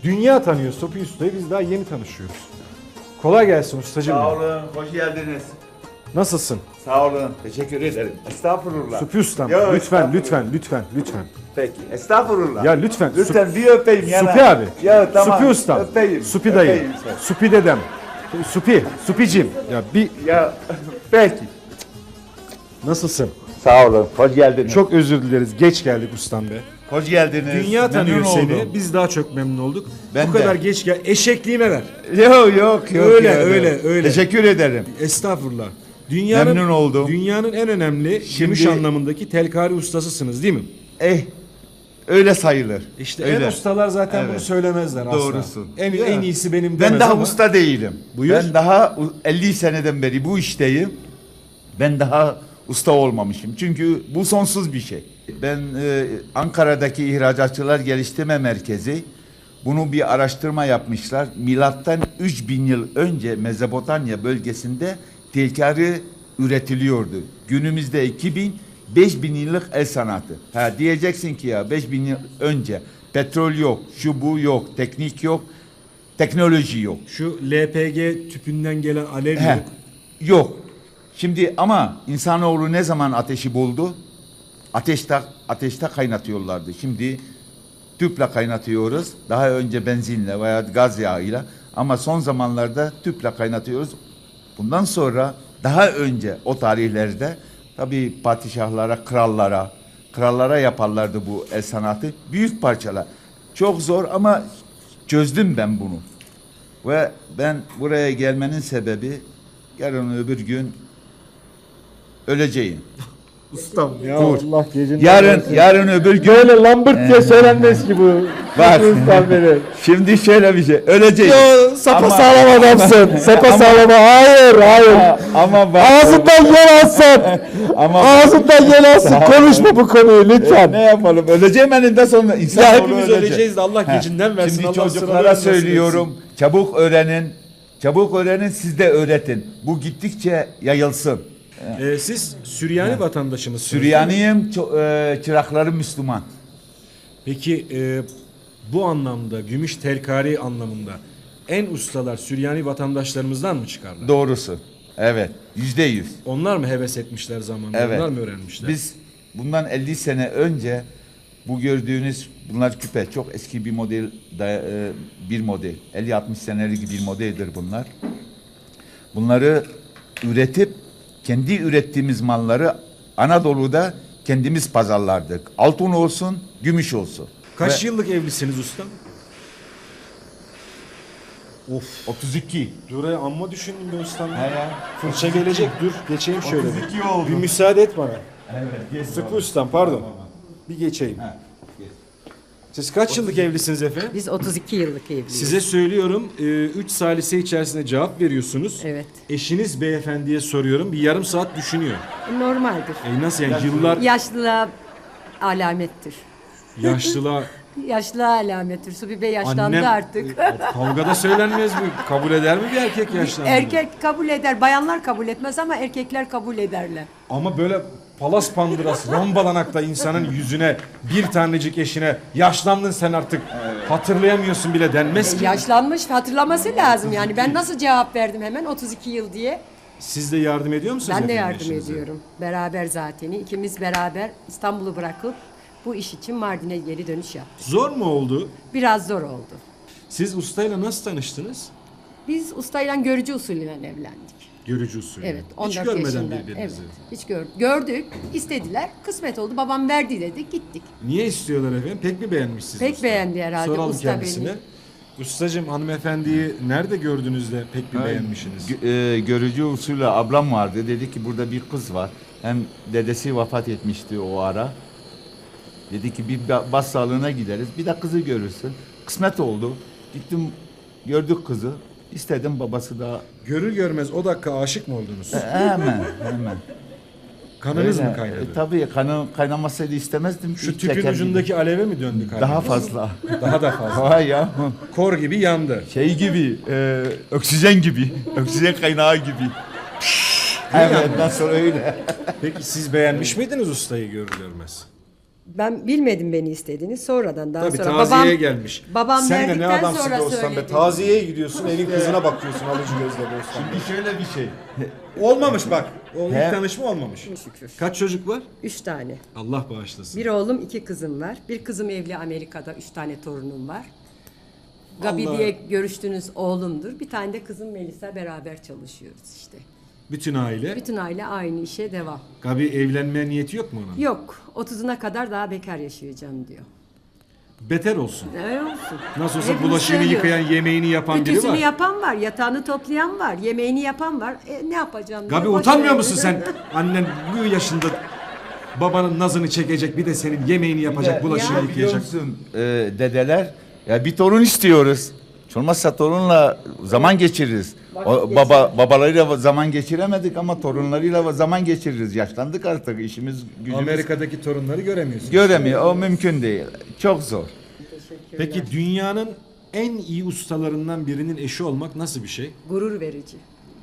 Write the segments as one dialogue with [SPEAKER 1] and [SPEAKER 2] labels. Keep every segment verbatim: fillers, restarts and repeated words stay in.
[SPEAKER 1] Dünya tanıyor Sopi Usta'yı, biz daha yeni tanışıyoruz. Kolay gelsin ustacığım.
[SPEAKER 2] Sağ olun, hoş geldiniz.
[SPEAKER 1] Nasılsın?
[SPEAKER 2] Sağ olun, teşekkür ederim. Estağfurullah.
[SPEAKER 1] Sopi Ustam,
[SPEAKER 2] Yo,
[SPEAKER 1] lütfen,
[SPEAKER 2] estağfurullah.
[SPEAKER 1] lütfen, lütfen, lütfen.
[SPEAKER 2] Peki, estağfurullah.
[SPEAKER 1] Ya lütfen.
[SPEAKER 2] Lütfen bir öpeyim yana.
[SPEAKER 1] Supi abi.
[SPEAKER 2] Ya tamam.
[SPEAKER 1] Supi Ustam.
[SPEAKER 2] Öpeyim.
[SPEAKER 1] Supi dayı.
[SPEAKER 2] öpeyim sen.
[SPEAKER 1] Supi dedem. Supi, Supicim. Ya bir
[SPEAKER 2] Ya peki.
[SPEAKER 1] nasılsın?
[SPEAKER 2] Sağ olun, hoş geldiniz.
[SPEAKER 1] Çok özür dileriz. Geç geldik ustam be.
[SPEAKER 2] hoş geldiniz.
[SPEAKER 1] Dünya tanıyor
[SPEAKER 2] Memnun
[SPEAKER 1] seni.
[SPEAKER 2] oldum.
[SPEAKER 1] Biz daha çok memnun olduk.
[SPEAKER 2] Ben
[SPEAKER 1] Bu
[SPEAKER 2] de.
[SPEAKER 1] kadar geç gel. Eşekliğime ver.
[SPEAKER 2] Yok yok yok.
[SPEAKER 1] Öyle,
[SPEAKER 2] yok.
[SPEAKER 1] öyle, öyle.
[SPEAKER 2] Teşekkür ederim.
[SPEAKER 1] Estağfurullah. Dünyanın,
[SPEAKER 2] Memnun oldum.
[SPEAKER 1] Dünyanın en önemli gümüş
[SPEAKER 2] Şimdi-
[SPEAKER 1] anlamındaki telkari ustasısınız değil mi?
[SPEAKER 2] Eh, öyle sayılır.
[SPEAKER 1] İşte
[SPEAKER 2] öyle.
[SPEAKER 1] en ustalar zaten
[SPEAKER 2] Evet.
[SPEAKER 1] bunu söylemezler asla.
[SPEAKER 2] Doğrusun.
[SPEAKER 1] En,
[SPEAKER 2] Ya.
[SPEAKER 1] en iyisi benim
[SPEAKER 2] Ben
[SPEAKER 1] demez
[SPEAKER 2] daha
[SPEAKER 1] ama
[SPEAKER 2] usta değilim.
[SPEAKER 1] Buyur.
[SPEAKER 2] Ben daha u- elli seneden beri bu işteyim. Ben daha usta olmamışım. Çünkü bu sonsuz bir şey. Ben e, Ankara'daki İhracatçılar Geliştirme Merkezi bunu bir araştırma yapmışlar. Milattan üç bin yıl önce Mezopotamya bölgesinde telkari üretiliyordu. Günümüzde iki bin, beş bin yıllık el sanatı. Ha diyeceksin ki ya beş bin yıl önce petrol yok, şu bu yok, teknik yok, teknoloji yok.
[SPEAKER 1] şu L P G tüpünden gelen alev
[SPEAKER 2] He,
[SPEAKER 1] yok.
[SPEAKER 2] yok. Şimdi ama insanoğlu ne zaman ateşi buldu? Ateşte ateşte kaynatıyorlardı. Şimdi tüple kaynatıyoruz. Daha önce benzinle veya gaz yağıyla ama son zamanlarda tüple kaynatıyoruz. Bundan sonra daha önce o tarihlerde tabii padişahlara, krallara, krallara yaparlardı bu el sanatı. Büyük parçalar. Çok zor ama çözdüm ben bunu. Ve ben buraya gelmenin sebebi yarın öbür gün öleceğim.
[SPEAKER 1] Ustam ya
[SPEAKER 2] Dur.
[SPEAKER 1] Allah gecenin
[SPEAKER 2] Yarın yarın öbür gün
[SPEAKER 1] böyle lambırt diye söylenmez ki bu.
[SPEAKER 2] Bak.
[SPEAKER 1] Ustam beni.
[SPEAKER 2] şimdi şöyle bir şey öleceğim.
[SPEAKER 1] Yo, sapa
[SPEAKER 2] Ama-
[SPEAKER 1] sağlam adamsın. Sapa sağlam. Hayır, hayır.
[SPEAKER 2] Ama bak,
[SPEAKER 1] Ağzından yel alsın.
[SPEAKER 2] ama
[SPEAKER 1] Ağzından yel alsın. Konuşma bu konuyu lütfen.
[SPEAKER 2] ne yapalım? Öleceğim eninde sonunda. İnsan
[SPEAKER 1] Ya
[SPEAKER 2] oğlu
[SPEAKER 1] hepimiz
[SPEAKER 2] ölecek.
[SPEAKER 1] öleceğiz de Allah
[SPEAKER 2] He.
[SPEAKER 1] gecinden versin.
[SPEAKER 2] Şimdi
[SPEAKER 1] Allah
[SPEAKER 2] çocuklara
[SPEAKER 1] sıralarını nasip
[SPEAKER 2] söylüyorum. Çabuk öğrenin. Çabuk öğrenin, siz de öğretin. Bu gittikçe yayılsın.
[SPEAKER 1] etsin. Ee, siz Süryani vatandaşı mısınız?
[SPEAKER 2] Süryaniyim, ço- e, çıraklarım Müslüman.
[SPEAKER 1] Peki e, bu anlamda gümüş telkari anlamında en ustalar Süryani vatandaşlarımızdan mı çıkarlar?
[SPEAKER 2] Doğrusu. Evet. Yüzde yüz.
[SPEAKER 1] Onlar mı heves etmişler zamanında?
[SPEAKER 2] Evet.
[SPEAKER 1] Onlar mı öğrenmişler?
[SPEAKER 2] Biz bundan elli sene önce bu gördüğünüz bunlar küpe çok eski bir model da- e, bir model elli altmış senelik bir modeldir bunlar. Bunları üretip kendi ürettiğimiz malları Anadolu'da kendimiz pazarlardık. Altın olsun, gümüş olsun.
[SPEAKER 1] Kaç
[SPEAKER 2] Ve
[SPEAKER 1] yıllık evlisiniz ustam? Of.
[SPEAKER 2] otuz iki.
[SPEAKER 1] Dur ya, amma düşündüm be ustam.
[SPEAKER 2] He ya.
[SPEAKER 1] Fırça gelecek, dur geçeyim şöyle.
[SPEAKER 2] otuz iki oldu.
[SPEAKER 1] Bir müsaade et bana.
[SPEAKER 2] Evet.
[SPEAKER 1] Sıkı ustam, pardon. Bir geçeyim. Siz kaç yıllık evlisiniz efendim?
[SPEAKER 3] Biz otuz iki yıllık evliyiz.
[SPEAKER 1] Size söylüyorum, üç salise içerisinde cevap veriyorsunuz.
[SPEAKER 3] Evet.
[SPEAKER 1] Eşiniz beyefendiye soruyorum, bir yarım saat düşünüyor.
[SPEAKER 3] Normaldir.
[SPEAKER 1] E nasıl yani yıllar
[SPEAKER 3] Yaşlılığa alamettir.
[SPEAKER 1] yaşlılığa
[SPEAKER 3] Yaşlılığa alamettir. Subi Bey yaşlandı
[SPEAKER 1] annem
[SPEAKER 3] artık.
[SPEAKER 1] kavgada söylenmez mi? Kabul eder mi bir erkek yaşlandı?
[SPEAKER 3] Erkek kabul eder. Bayanlar kabul etmez ama erkekler kabul ederler.
[SPEAKER 1] Ama böyle palas pandırası, rambalanakta insanın yüzüne bir tanecik eşine yaşlandın sen artık hatırlayamıyorsun bile denmez ki.
[SPEAKER 3] Yaşlanmış hatırlaması lazım yani. Ben nasıl cevap verdim hemen otuz iki yıl diye.
[SPEAKER 1] Siz de yardım ediyor musunuz
[SPEAKER 3] Ben de
[SPEAKER 1] efendim
[SPEAKER 3] yardım
[SPEAKER 1] eşinize?
[SPEAKER 3] ediyorum. Beraber zaten. İkimiz beraber İstanbul'u bırakıp bu iş için Mardin'e geri dönüş yaptık.
[SPEAKER 1] Zor mu oldu?
[SPEAKER 3] Biraz zor oldu.
[SPEAKER 1] Siz ustayla nasıl tanıştınız?
[SPEAKER 3] Biz ustayla görücü usulüyle evlendik.
[SPEAKER 1] Görücü usulü.
[SPEAKER 3] Evet,
[SPEAKER 1] Hiç
[SPEAKER 3] on dört
[SPEAKER 1] görmeden
[SPEAKER 3] yaşında. Evet,
[SPEAKER 1] birbirinizi.
[SPEAKER 3] hiç gör, gördük, istediler, kısmet oldu. Babam verdi dedi, gittik.
[SPEAKER 1] Niye istiyorlar efendim? Pek mi beğenmişsiniz?
[SPEAKER 3] Pek
[SPEAKER 1] usta?
[SPEAKER 3] beğendi herhalde
[SPEAKER 1] Soralım
[SPEAKER 3] usta
[SPEAKER 1] kendisine.
[SPEAKER 3] beni.
[SPEAKER 1] Ustacığım hanımefendiyi nerede gördünüz de pek bir beğenmişsiniz?
[SPEAKER 2] Gö- e, görücü usulü ablam vardı. Dedi ki burada bir kız var. Hem dedesi vefat etmişti o ara. Dedi ki bir ba- bas sağlığına gideriz. Bir de kızı görürsün. Kısmet oldu. Gittim gördük kızı. İstedim babası da
[SPEAKER 1] Görür görmez o dakika aşık mı oldunuz?
[SPEAKER 2] E, hemen hemen.
[SPEAKER 1] Kanınız
[SPEAKER 2] Öyle.
[SPEAKER 1] mı kaynadı?
[SPEAKER 2] E, tabii kanı kaynamasaydı istemezdim.
[SPEAKER 1] Şu
[SPEAKER 2] İlk
[SPEAKER 1] tüpün
[SPEAKER 2] çeker
[SPEAKER 1] ucundaki aleve mi döndü
[SPEAKER 2] gibi.
[SPEAKER 1] kalbiniz?
[SPEAKER 2] Daha fazla.
[SPEAKER 1] Daha da fazla.
[SPEAKER 2] Vay ya.
[SPEAKER 1] Kor gibi yandı.
[SPEAKER 2] Şey gibi, e, oksijen gibi. Oksijen kaynağı gibi. Evet, nasıl öyle.
[SPEAKER 1] Peki siz beğenmiş miydiniz ustayı görür görmez?
[SPEAKER 3] Ben bilmedim beni istediğini. Sonradan daha
[SPEAKER 1] Tabii
[SPEAKER 3] sonra
[SPEAKER 1] taziyeye
[SPEAKER 3] babam
[SPEAKER 1] gelmiş.
[SPEAKER 3] babam
[SPEAKER 1] Sen de ne
[SPEAKER 3] verdikten
[SPEAKER 1] adamsın
[SPEAKER 3] sonra
[SPEAKER 1] be Osman be.
[SPEAKER 3] söyledi.
[SPEAKER 1] Taziyeye gidiyorsun, elin kızına bakıyorsun alıcı gözle be Osman.
[SPEAKER 2] Şimdi şöyle bir şey.
[SPEAKER 1] Olmamış bak. O ilk
[SPEAKER 2] He.
[SPEAKER 1] tanışma olmamış.
[SPEAKER 3] Şükür.
[SPEAKER 1] Kaç çocuk var?
[SPEAKER 3] Üç tane.
[SPEAKER 1] Allah bağışlasın.
[SPEAKER 3] Bir oğlum, iki kızım var. Bir kızım evli Amerika'da. Üç tane torunum var. Gabi
[SPEAKER 1] Allah-
[SPEAKER 3] diye görüştüğünüz oğlumdur. Bir tane de kızım Melisa, beraber çalışıyoruz işte.
[SPEAKER 1] Bütün aile.
[SPEAKER 3] Bütün aile aynı işe devam.
[SPEAKER 1] Gabi evlenmeye niyeti yok mu onun?
[SPEAKER 3] Yok, otuzuna kadar daha bekar yaşayacağım diyor.
[SPEAKER 1] Beter olsun.
[SPEAKER 3] Öyle olsun.
[SPEAKER 1] Nasıl olsa
[SPEAKER 3] Hepimiz
[SPEAKER 1] bulaşığını
[SPEAKER 3] söylüyoruz.
[SPEAKER 1] yıkayan, yemeğini yapan biri
[SPEAKER 3] Ütüsünü
[SPEAKER 1] var.
[SPEAKER 3] yapan var, yatağını toplayan var, yemeğini yapan var. E, ne yapacağım?
[SPEAKER 1] Gabi
[SPEAKER 3] diye boş
[SPEAKER 1] utanmıyor
[SPEAKER 3] ver.
[SPEAKER 1] musun sen? Annen bu yaşında babanın nazını çekecek, bir de senin yemeğini yapacak, bulaşığını
[SPEAKER 3] Ya.
[SPEAKER 2] Biliyor
[SPEAKER 1] yıkayacak.
[SPEAKER 2] musun e, dedeler? Ya bir torun istiyoruz. Hiç olmazsa torunla zaman geçiririz.
[SPEAKER 3] Vakit
[SPEAKER 2] O, baba babalarıyla zaman geçiremedik ama torunlarıyla zaman geçiririz. Yaşlandık artık, işimiz gücümüz
[SPEAKER 1] Amerika'daki torunları göremiyorsun.
[SPEAKER 2] göremiyor. O mümkün değil. Çok zor.
[SPEAKER 1] Peki dünyanın en iyi ustalarından birinin eşi olmak nasıl bir şey?
[SPEAKER 3] Gurur verici.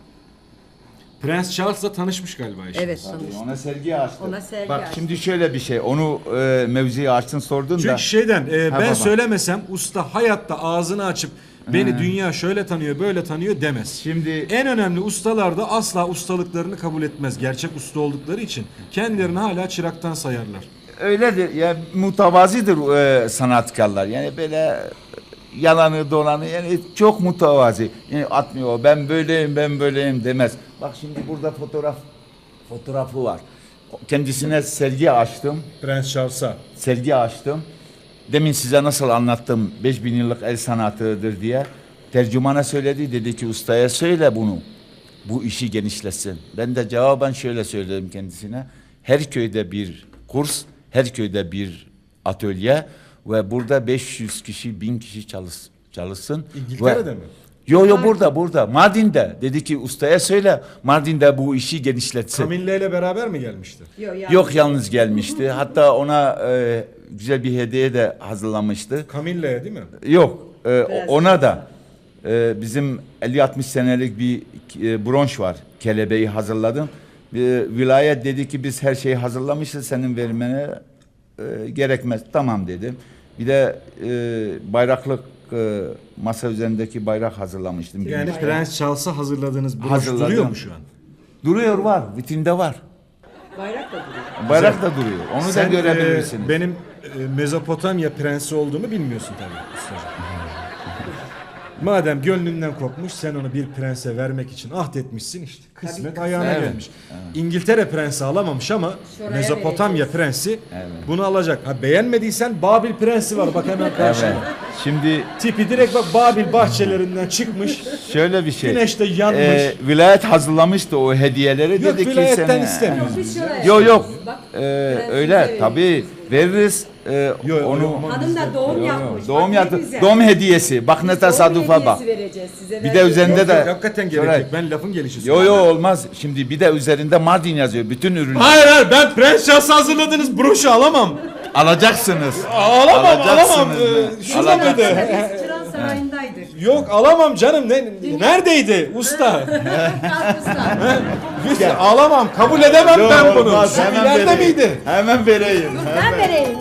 [SPEAKER 1] Prens Charles'la tanışmış galiba eşi.
[SPEAKER 3] Evet, tanıştık.
[SPEAKER 2] Ona sergi açtı.
[SPEAKER 3] Ona sergi
[SPEAKER 2] Bak
[SPEAKER 3] açtı.
[SPEAKER 2] şimdi şöyle bir şey. Onu e, mevziyi açtın sordun da.
[SPEAKER 1] Çünkü şeyden e,
[SPEAKER 2] Ha,
[SPEAKER 1] ben
[SPEAKER 2] baba.
[SPEAKER 1] söylemesem usta hayatta ağzını açıp beni dünya şöyle tanıyor böyle tanıyor demez.
[SPEAKER 2] Şimdi
[SPEAKER 1] En önemli ustalar da asla ustalıklarını kabul etmez. Gerçek usta oldukları için kendilerini hala çıraktan sayarlar.
[SPEAKER 2] öyledir. Ya mutavazidir e, sanatkarlar. Yani böyle yalanı dolanı yani çok mutavazi. Yani atmıyor. Ben böyleyim, ben böyleyim demez. Bak şimdi burada fotoğraf fotoğrafı var. Kendisine sergi açtım.
[SPEAKER 1] Prens Charles'a.
[SPEAKER 2] Sergi açtım. Demin size nasıl anlattım beş bin yıllık el sanatıdır diye. Tercümana söyledi, dedi ki ustaya söyle bunu. Bu işi genişletsin. Ben de cevaben şöyle söyledim kendisine. Her köyde bir kurs, her köyde bir atölye ve burada beş yüz kişi, bin kişi çalış, çalışsın.
[SPEAKER 1] İngiltere'de
[SPEAKER 2] Ve-
[SPEAKER 1] mi?
[SPEAKER 2] Yo yo burada burada Mardin'de. Dedi ki ustaya söyle Mardin'de bu işi genişletsin.
[SPEAKER 1] Camille ile beraber mi gelmişti?
[SPEAKER 3] Yok, yani.
[SPEAKER 2] Yok yalnız gelmişti. Hatta ona e, güzel bir hediye de hazırlamıştı.
[SPEAKER 1] Camille'ye değil mi?
[SPEAKER 2] Yok e,
[SPEAKER 3] Biraz
[SPEAKER 2] ona da e, bizim elli altmış senelik bir e, bronş var. Kelebeği hazırladım. E, vilayet dedi ki biz her şeyi hazırlamışız senin vermene e, gerekmez. Tamam dedim. Bir de e, bayraklık e, masa üzerindeki bayrak hazırlamıştım.
[SPEAKER 1] Yani
[SPEAKER 2] Gümüş.
[SPEAKER 1] Prens Charles'a hazırladığınız broş
[SPEAKER 2] Hazırladım.
[SPEAKER 1] duruyor mu şu an?
[SPEAKER 2] Duruyor var. Vitrinde var.
[SPEAKER 3] Bayrak da duruyor.
[SPEAKER 2] Bayrak da duruyor. Onu
[SPEAKER 1] Sen
[SPEAKER 2] da görebilirsiniz.
[SPEAKER 1] e, benim e, Mezopotamya prensi olduğumu bilmiyorsun tabii ustacığım. Madem gönlünden kopmuş sen onu bir prense vermek için ahdetmişsin işte. Kısmet
[SPEAKER 3] Tabii,
[SPEAKER 1] ayağına
[SPEAKER 2] evet.
[SPEAKER 1] gelmiş. İngiltere prensi alamamış ama
[SPEAKER 3] Şuraya
[SPEAKER 1] Mezopotamya
[SPEAKER 3] vereceğiz.
[SPEAKER 1] prensi
[SPEAKER 2] Evet.
[SPEAKER 1] bunu alacak. Ha beğenmediysen Babil prensi var bak hemen karşında.
[SPEAKER 2] Evet. Şimdi
[SPEAKER 1] Tipi direkt bak Babil bahçelerinden çıkmış.
[SPEAKER 2] şöyle bir şey.
[SPEAKER 1] Güneşte yanmış.
[SPEAKER 2] Ee, vilayet hazırlamıştı o hediyeleri.
[SPEAKER 1] Yok,
[SPEAKER 2] dedi ki
[SPEAKER 1] vilayetten
[SPEAKER 2] sen,
[SPEAKER 1] istemiyoruz.
[SPEAKER 3] Biz şuraya
[SPEAKER 2] Yok yok.
[SPEAKER 3] Bak,
[SPEAKER 2] Ee,
[SPEAKER 3] prensimize
[SPEAKER 2] öyle
[SPEAKER 3] veririz.
[SPEAKER 2] tabii veririz. Ee,
[SPEAKER 1] Yok,
[SPEAKER 2] onu
[SPEAKER 1] yok, olmaz.
[SPEAKER 3] Hanım da doğum
[SPEAKER 2] Yok, yok.
[SPEAKER 3] yapmış.
[SPEAKER 2] doğum
[SPEAKER 3] Bak ne
[SPEAKER 2] yaptı.
[SPEAKER 3] güzel.
[SPEAKER 2] Doğum hediyesi. Bak ne
[SPEAKER 3] Doğum
[SPEAKER 2] tesadüfe bak.
[SPEAKER 3] hediyesi vereceğiz size.
[SPEAKER 2] Bir de üzerinde
[SPEAKER 1] Yok,
[SPEAKER 2] de
[SPEAKER 1] yok, hakikaten gerek
[SPEAKER 2] Şöyle-
[SPEAKER 1] yok. Ben lafın gelişi
[SPEAKER 2] Yo
[SPEAKER 1] söylüyorum.
[SPEAKER 2] yo olmaz. Şimdi bir de üzerinde Mardin yazıyor. Bütün ürünü
[SPEAKER 1] Hayır hayır ben Prens Charles'a hazırladığınız broşu alamam.
[SPEAKER 2] alacaksınız.
[SPEAKER 1] Alamam
[SPEAKER 2] Alacaksınız
[SPEAKER 1] alamam.
[SPEAKER 2] mı?
[SPEAKER 1] Ee, şurada
[SPEAKER 2] Alacaksınız.
[SPEAKER 1] mıydı?
[SPEAKER 3] Biz Çıran Sarayı'ndaydık.
[SPEAKER 1] Yok alamam canım. Ne, neredeydi usta?
[SPEAKER 3] Kalkmışlar.
[SPEAKER 1] Lütfen alamam. Kabul edemem
[SPEAKER 2] Yo,
[SPEAKER 1] ben bunu.
[SPEAKER 2] olmaz.
[SPEAKER 1] Şu
[SPEAKER 2] Hemen
[SPEAKER 1] ileride
[SPEAKER 2] vereyim.
[SPEAKER 1] miydi?
[SPEAKER 2] Hemen vereyim.
[SPEAKER 3] Ben vereyim.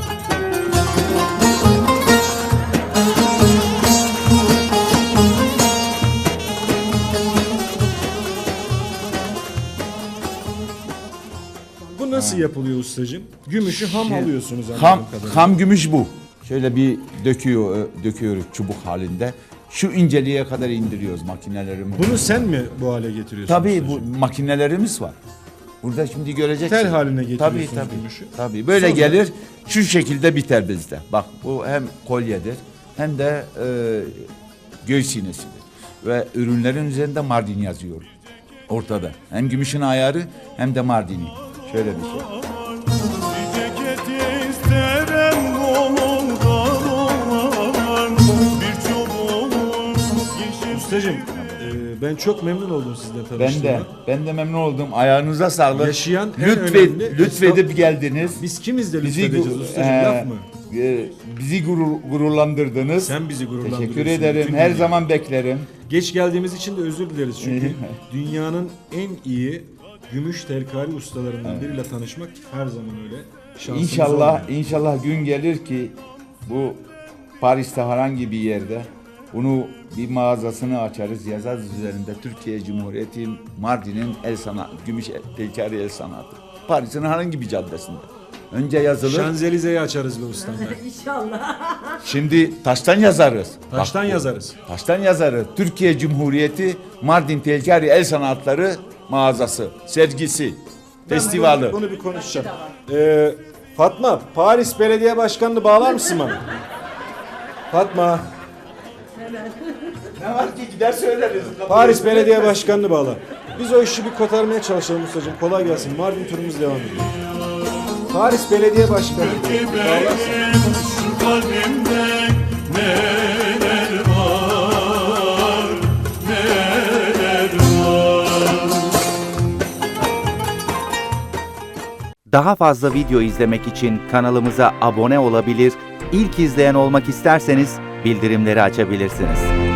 [SPEAKER 1] Bu nasıl yapılıyor ustacığım? Gümüşü ham
[SPEAKER 2] Şey,
[SPEAKER 1] alıyorsunuz anladığım
[SPEAKER 2] Ham,
[SPEAKER 1] kadarıyla.
[SPEAKER 2] ham gümüş bu. Şöyle bir döküyor, döküyoruz çubuk halinde. Şu inceliğe kadar indiriyoruz makinelerimiz.
[SPEAKER 1] Bunu sen mi bu hale getiriyorsun?
[SPEAKER 2] Tabii
[SPEAKER 1] ustacığım?
[SPEAKER 2] bu makinelerimiz var. Burada şimdi göreceksin.
[SPEAKER 1] Tel haline getiriyorsunuz
[SPEAKER 2] tabii, tabii,
[SPEAKER 1] gümüşü.
[SPEAKER 2] Tabii böyle
[SPEAKER 1] Sonra-
[SPEAKER 2] gelir şu şekilde biter bizde. Bak bu hem kolyedir hem de e, göğüs iğnesidir. Ve ürünlerin üzerinde Mardin yazıyor. Ortada. Hem gümüşün ayarı hem de Mardin'i. Şöyle bir şey.
[SPEAKER 4] Ceket isterim kolumdan olan bir çubuğun yeşil
[SPEAKER 1] Ustacığım e, ben çok memnun oldum sizle
[SPEAKER 2] Ben
[SPEAKER 1] tanıştığıma.
[SPEAKER 2] de ben de memnun oldum. Ayağınıza sağlık.
[SPEAKER 1] Yaşayan en
[SPEAKER 2] Lütfed,
[SPEAKER 1] önemli-
[SPEAKER 2] lütfedip geldiniz.
[SPEAKER 1] Biz kimiz de
[SPEAKER 2] Bizi
[SPEAKER 1] lütfedeceğiz
[SPEAKER 2] gu-
[SPEAKER 1] ustacığım
[SPEAKER 2] e,
[SPEAKER 1] laf mı?
[SPEAKER 2] e, bizi gurur, gururlandırdınız.
[SPEAKER 1] Sen bizi gururlandırıyorsun.
[SPEAKER 2] Teşekkür ederim.
[SPEAKER 1] bütün
[SPEAKER 2] Her
[SPEAKER 1] dünya.
[SPEAKER 2] zaman beklerim.
[SPEAKER 1] Geç geldiğimiz için de özür dileriz çünkü dünyanın en iyi gümüş telkari ustalarından biriyle tanışmak her zaman öyle Şansımız
[SPEAKER 2] İnşallah
[SPEAKER 1] olmuyor.
[SPEAKER 2] inşallah gün gelir ki bu Paris'te herhangi bir yerde bunu bir mağazasını açarız, yazarız üzerinde Türkiye Cumhuriyeti Mardin'in el sanatı, Gümüş Telkari el sanatı. Paris'in herhangi bir caddesinde. Önce yazılır.
[SPEAKER 1] Şanzelize'yi açarız be ustam.
[SPEAKER 3] İnşallah.
[SPEAKER 2] Şimdi taştan yazarız.
[SPEAKER 1] Taştan
[SPEAKER 2] Bak bu,
[SPEAKER 1] yazarız.
[SPEAKER 2] Taştan yazarız. Türkiye Cumhuriyeti Mardin Telkari El Sanatları mağazası, sergisi, festivali.
[SPEAKER 1] Bunu, bunu bir konuşacağım. Ee, Fatma, Paris Belediye Başkanı'nı bağlar mısın bana? Fatma,
[SPEAKER 2] Ne var ki gider söyleriz.
[SPEAKER 1] Paris Belediye Başkanı'nı bağla. Biz o işi bir kotarmaya çalışalım ustacığım. Kolay gelsin. Mardin turumuz devam ediyor. Paris Belediye Başkanı. Bağlarsın.
[SPEAKER 4] Benim şu kalbimde neler var, neler var.
[SPEAKER 5] Daha fazla video izlemek için kanalımıza abone olabilir, ilk izleyen olmak isterseniz bildirimleri açabilirsiniz.